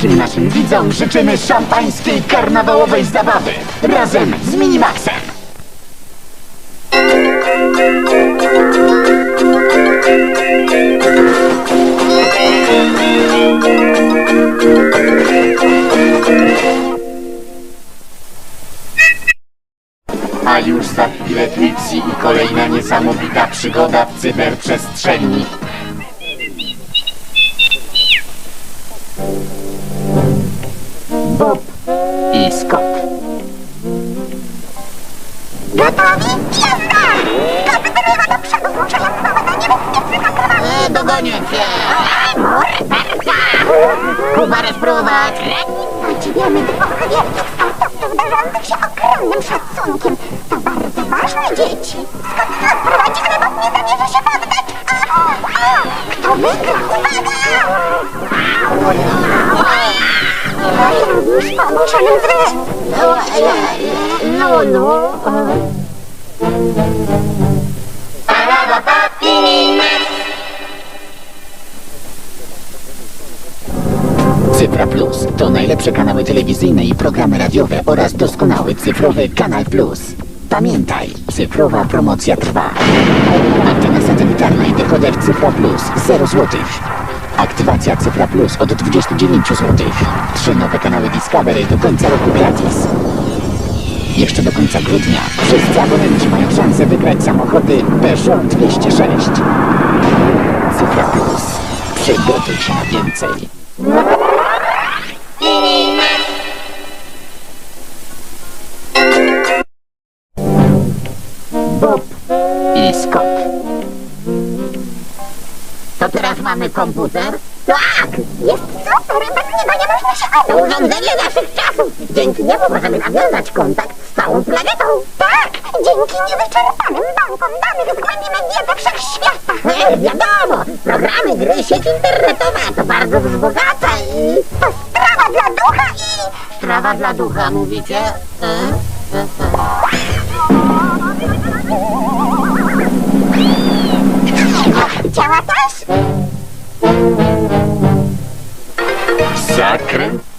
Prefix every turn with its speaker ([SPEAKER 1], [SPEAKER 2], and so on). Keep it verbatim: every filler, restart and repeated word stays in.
[SPEAKER 1] wszystkim naszym widzom życzymy szampańskiej karnawałowej zabawy razem z Minimaxem. A już za chwilę Trixie i kolejna niesamowita przygoda w cyberprzestrzeni. Bob i Scott.
[SPEAKER 2] Gotowi? Jazda! Skopy wyrywa do przodu, zmuszając małe na niebezpiecznych akrobatów.
[SPEAKER 3] E, dogonię cię!
[SPEAKER 2] Morderca!
[SPEAKER 3] Kuba, spróbować!
[SPEAKER 2] Podziwiamy dwóch wielkich sportowców darzących się ogromnym szacunkiem. To bardzo ważne, dzieci. Skąd nas prowadzi, ale Bob nie zamierza się poddać. A, a, kto wygra? Uwaga! Już po ogłoszonym zwycięstwie.
[SPEAKER 3] No, no.
[SPEAKER 1] Cyfra Plus to najlepsze kanały telewizyjne i programy radiowe oraz doskonały cyfrowy Kanal Plus. Pamiętaj, cyfrowa promocja trwa. Antena satelitarna i dekoder Cyfra Plus zero złotych. Aktywacja Cyfra Plus od dwudziestu dziewięciu złotych. Trzy nowe kanały Discovery do końca roku gratis. Jeszcze do końca grudnia wszyscy abonenci mają szansę wygrać samochody Peugeot dwieście sześć. Cyfra Plus. Przygotuj się na więcej. Bob i Scott.
[SPEAKER 3] To teraz mamy komputer?
[SPEAKER 2] Tak! Jest super! Bez niego nie można się
[SPEAKER 3] To
[SPEAKER 2] odbyć.
[SPEAKER 3] urządzenie naszych czasów! Dzięki niemu możemy nawiązać kontakt z całą planetą!
[SPEAKER 2] Tak! Dzięki niewyczerpanym bankom danych zgłębimy wiedzę wszechświata.
[SPEAKER 3] E, wiadomo! Programy, gry, sieć internetowa to bardzo wzbogaca i...
[SPEAKER 2] To sprawa dla ducha i...
[SPEAKER 3] Strawa dla ducha, mówicie? E? E, e.
[SPEAKER 2] Działa też?
[SPEAKER 1] Zakręt